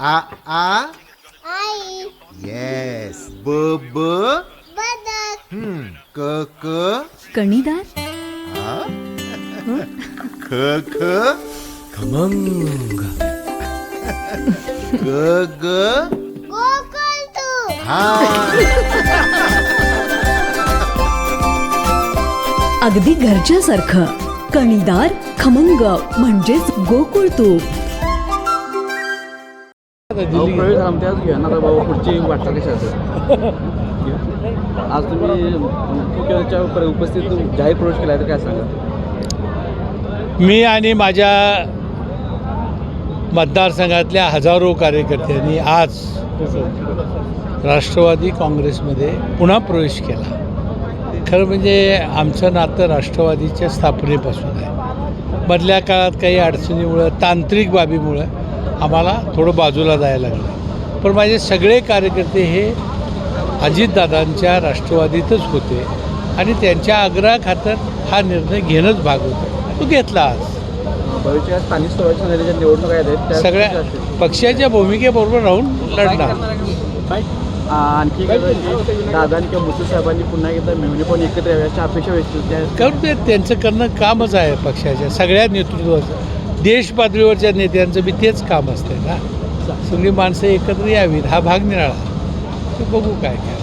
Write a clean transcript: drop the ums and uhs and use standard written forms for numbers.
आ आ आई yes ब ब बदक क क कणीदार. ख ख खमंग. ग ग गोकुळ तू हा अगदी घरच्यासारखं. कणीदार खमंग म्हणजेच गोकुळ तूप. प्रवेश आमच्याच घ्या ना बाबा, पुढची वाटचाल कशी असेल. आज तुम्ही मुख्यमंत्र्यांच्या उपस्थित जाहीर प्रवेश केला तर काय सांगा. मी आणि माझ्या मतदारसंघातल्या हजारो कार्यकर्त्यांनी आज राष्ट्रवादी काँग्रेसमध्ये पुन्हा प्रवेश केला. खरं म्हणजे आमचं नातं राष्ट्रवादीच्या स्थापनेपासून आहे. मधल्या काळात काही अडचणीमुळं, तांत्रिक बाबीमुळं आम्हाला थोडं बाजूला जायला लागलं. पण माझे सगळे कार्यकर्ते हे अजितदादांच्या राष्ट्रवादीतच होते आणि त्यांच्या आग्रहाखातर हा निर्णय घेणंच भाग होता. तो घेतला आज. भविष्यात स्थानिक स्वराज्य संस्थेच्या निवडणुका आहेत त्या सगळ्या कशा असतील? पक्षाच्या भूमिकेबरोबर राहून लढणार. आणखी दादांनी किंवा मुसू साहेबांनी पुन्हा एकदा मेहनी पण एकत्र यावी अशा अपेक्षा व्यक्त करून ते त्यांचं करणं कामच आहे. पक्षाच्या सगळ्या नेतृत्वाचं, देश पातळीवरच्या नेत्यांचं बी तेच काम असतं ना. सगळी माणसं एकत्र यावीत, हा भाग निराळा. ते बघू काय काय.